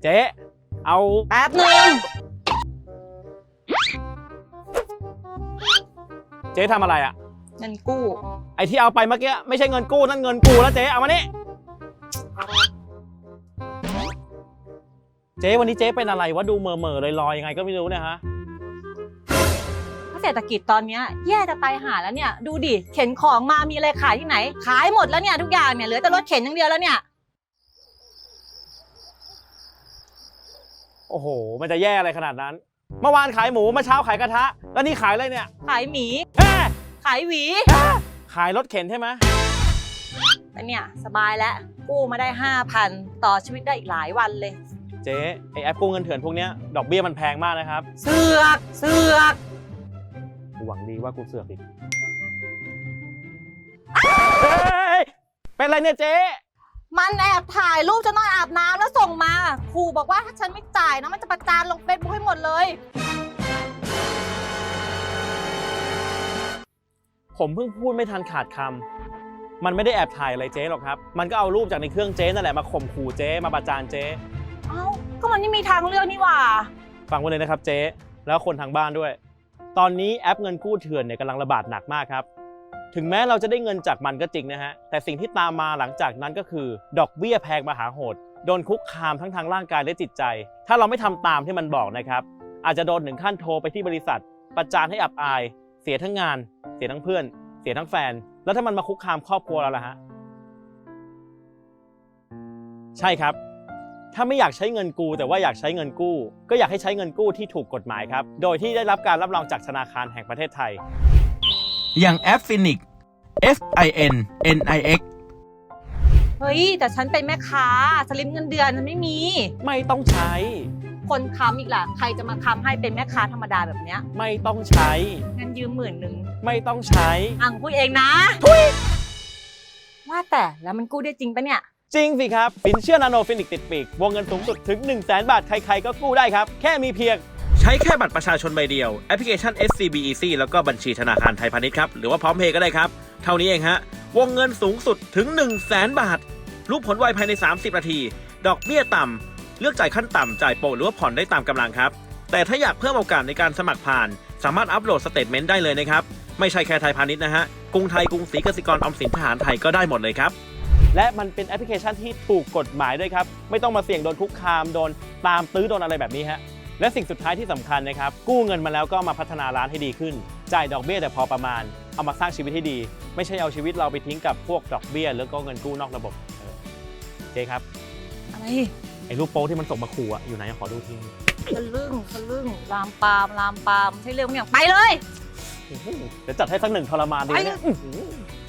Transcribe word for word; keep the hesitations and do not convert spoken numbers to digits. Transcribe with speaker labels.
Speaker 1: เจ๊เอา
Speaker 2: แป๊บหนึ่ง
Speaker 1: เจ๊ทำอะไรอ่ะ
Speaker 2: เงินกู้
Speaker 1: ไอ้ที่เอาไปเมื่อกี้ไม่ใช่เงินกู้นั่นเงินกูแล้วเจ๊เอามานี่เจ๊วันนี้เจ๊เป็นอะไรวะดูเมื่อเมื่อลอยลอยยังไงก็ไม่รู้เนี่ยฮะ
Speaker 2: เศรษฐกิจตอนนี้แย่จะตายหาแล้วเนี่ยดูดิเข็นของมามีอะไรขายที่ไหนขายหมดแล้วเนี่ยทุกอย่างเนี่ยเหลือแต่รถเข็นอย่างเดียวแล้วเนี่ย
Speaker 1: โอ้โหมันจะแย่อะไรขนาดนั้นเมื่อวานขายหมูเมื่อเช้าขายกระทะแล้วนี่ขายอะไรเนี่ย
Speaker 2: ขายหมีขายหวี
Speaker 1: ขายรถเข็นใช่ไหม
Speaker 2: แต่เนี่ยสบายแล้วกู้มาได้ห้าพันต่อชีวิตได้อีกหลายวันเลย
Speaker 1: เจ๊ไอแอปกู้เงินเถื่อนพวกนี้ดอกเบี้ยมันแพงมากนะครับ
Speaker 2: เสือกเสือก
Speaker 1: หวังดีว่ากูเสือกอีกเฮ้ยเป็นไรเนี่ยเจ๊
Speaker 2: มันแอบถ่ายรูปจะนอนอาบน้ำแล้วส่งมาครูบอกว่าถ้าฉันไม่จ่ายนะมันจะประจานลงเฟซบุ๊กให้หมดเลย
Speaker 1: ผมเพิ่งพูดไม่ทันขาดคำมันไม่ได้แอบถ่ายอะไรเจ๊หรอกครับมันก็เอารูปจากในเครื่องเจ๊นั่นแหละมาข่มขู่เจ๊มาประจานเจ๊
Speaker 2: เอ้าก็มันไม่มีทางเลือกนี่หว่า
Speaker 1: ฟังไว้เลยนะครับเจ๊แล้วคนทางบ้านด้วยตอนนี้แอปเงินกู้เถื่อนเนี่ยกำลังระบาดหนักมากครับถึงแม้เราจะได้เงินจากมันก็จริงนะฮะแต่สิ่งที่ตามมาหลังจากนั้นก็คือดอกเบี้ยแพงมหาโหดโดนคุกคามทั้งทางร่างกายและจิตใจถ้าเราไม่ทำตามที่มันบอกนะครับอาจจะโดนถึงขั้นโทรไปที่บริษัทประจานให้อับอายเสียทั้งงานเสียทั้งเพื่อนเสียทั้งแฟนแล้วถ้ามันมาคุกคามครอบครัวเราล่ะฮะใช่ครับถ้าไม่อยากใช้เงินกู้แต่ว่าอยากใช้เงินกู้ก็อยากให้ใช้เงินกู้ที่ถูกกฎหมายครับโดยที่ได้รับการรับรองจากธนาคารแห่งประเทศไทยอย่างแอป Finix F I N N I X
Speaker 2: เฮ้ยแต่ฉันเป็นแม่ค้าสลิปเงินเดือนฉันไม่มี
Speaker 1: ไม่ต้องใช้
Speaker 2: คนค้ำอีกล่ะใครจะมาค้ำให้เป็นแม่ค้าธรรมดาแบบเนี้ย
Speaker 1: ไม่ต้องใช้
Speaker 2: งั้นยืมหมื่นหนึ่ง
Speaker 1: ไม่ต้องใช้
Speaker 2: อังพูดเองนะทุยว่าแต่แล้วมันกู้ได้จริงปะเนี่ย
Speaker 1: จริงสิครับสินเชื่อนาโนฟินิกติดปีกวงเงินสูงสุดถึง หนึ่งแสน บาทใครๆก็กู้ได้ครับแค่มีเพียงใช้แค่บัตรประชาชนใบเดียวแอปพลิเคชัน เอส ซี บี Easy แล้วก็บัญชีธนาคารไทยพาณิชย์ครับหรือว่าพร้อมเพย์ก็ได้ครับเท่านี้เองฮะวงเงินสูงสุดถึง หนึ่งแสน บาทรู้ผลไวภายในสามสิบนาทีดอกเบี้ยต่ำเลือกจ่ายขั้นต่ำจ่ายโปะหรือว่าผ่อนได้ตามกำลังครับแต่ถ้าอยากเพิ่มโอกาสในการสมัครผ่านสามารถอัปโหลดสเตทเมนต์ได้เลยนะครับไม่ใช่แค่ไทยพาณิชย์นะฮะกรุงไทยกรุงศรีกสิกรออมสินทหารไทยก็ได้หมดเลยครับและมันเป็นแอปพลิเคชันที่ถูกกฎหมายด้วยครับไม่ต้องมาเสี่ยงโดนคุกคามโดนตามตื้อโดนอะไรแบบนี้ฮะและสิ่งสุดท้ายที่สำคัญนะครับกู้เงินมาแล้วก็มาพัฒนาร้านให้ดีขึ้นจ่ายดอกเบี้ยแต่พอประมาณเอามาสร้างชีวิตให้ดีไม่ใช่เอาชีวิตเราไปทิ้งกับพวกดอกเบี้ยหรือก็เงินกู้นอกระบบเจ๊ครับ
Speaker 2: อะไร
Speaker 1: ไอ้รูปโป๊ที่มันส่งมาขู่อะอยู่ไหนขอดูที
Speaker 2: ทะลึ่งทะลึ่งลามปามลามปามใช่เรื่องเนี่ยไปเลย
Speaker 1: เดี๋ยวจัดให้สักหนึ่งทรมานดีเนี่ย